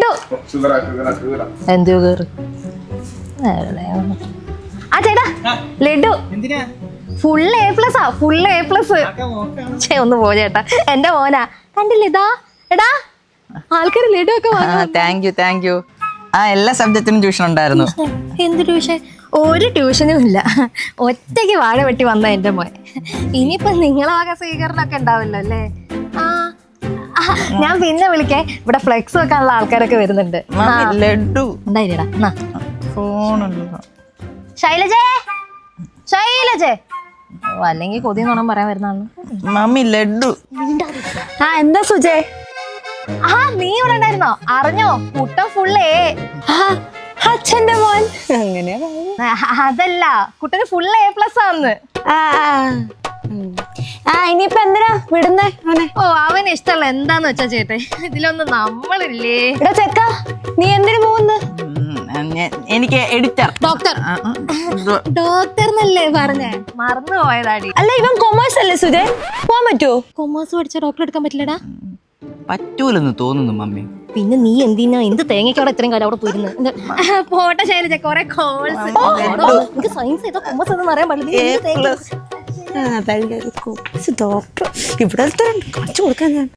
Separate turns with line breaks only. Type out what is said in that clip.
ലഡു എന്ത് ഷുഗർ ആ ചേട്ടാ ലഡു ഫുൾ A+, ഫുൾ A+. ഒന്ന് പോ ചേട്ടാ, എന്റെ മോനാ. കണ്ടില്ലേ ഇതാ എടാ ആൾക്കാർ ലഡു ഒക്കെ
താങ്ക് യു. ആ എല്ലാ സബ്ജക്റ്റിനും ട്യൂഷൻ ഉണ്ടായിരുന്നു.
എന്ത് ട്യൂഷൻ? ഒരു ട്യൂഷനും ഇല്ല, ഒറ്റയ്ക്ക് വാഴ വെട്ടി വന്ന എന്റെ മോൻ. ഇനിയിപ്പൊ നിങ്ങളെ വക സ്വീകരണമൊക്കെ ഉണ്ടാവല്ലോ അല്ലേ? ഞാൻ പിന്നെ വിളിക്കേ, ഇവിടെ ഫ്ലെക്സ് വെക്കാനുള്ള ആൾക്കാരൊക്കെ വരുന്നുണ്ട്.
ലഡു
ഉണ്ടായില്ലടാ.
ഫോണല്ലോ.
ശൈലജേ അല്ലെങ്കിൽ കൊതി നോണം പറയാൻ വരുന്ന
മമ്മി ലഡു.
എന്താ സുജേ?
നീ ഇവിടെ ഉണ്ടായിരുന്നോ? അറിഞ്ഞോ കുട്ടൻ ഫുള്ളേ
അച്ഛന്റെ മോൻ അങ്ങനെയാ.
അതല്ല, കുട്ടന് ഫുൾ A+ ആന്ന്.
ഇനിയിപ്പൊ എന്തിനാ വിടുന്നേ അവനെ?
അവന് ഇഷ്ടമല്ല എന്താന്ന് വെച്ചാ ചേട്ടേ, ഇതിലൊന്നും നമ്മളില്ലേ.
ഇവിടെ ചെക്ക നീ എന്തിനു പോകുന്നു?
എനിക്ക് എഡിറ്റർ.
ഡോക്ടർ എന്നല്ലേ പറഞ്ഞേ, മറന്നു പോയതാടി.
അല്ല ഇവൻ കൊമേഴ്സ് അല്ലേ സുജേ, പോവാൻ പറ്റുമോ?
കൊമേഴ്സ് പഠിച്ച ഡോക്ടർ എടുക്കാൻ പറ്റില്ലടാ.
പറ്റൂലെന്ന് തോന്നുന്നു മമ്മി.
പിന്നെ നീ എന്തിനാ തേങ്ങയ്ക്ക് അവിടെ ഇത്രയും കാലം അവിടെ പോയിരുന്നു? പോട്ടെ ശൈലജ, കൊറേ കോഴ്സ്. സയൻസ് ഏതോ കൊമേഴ്സ് ഒന്നും അറിയാൻ പാടില്ല.
ഡോക്ടർ ഇവിടെ കാണിച്ചു കൊടുക്കാൻ ഞാൻ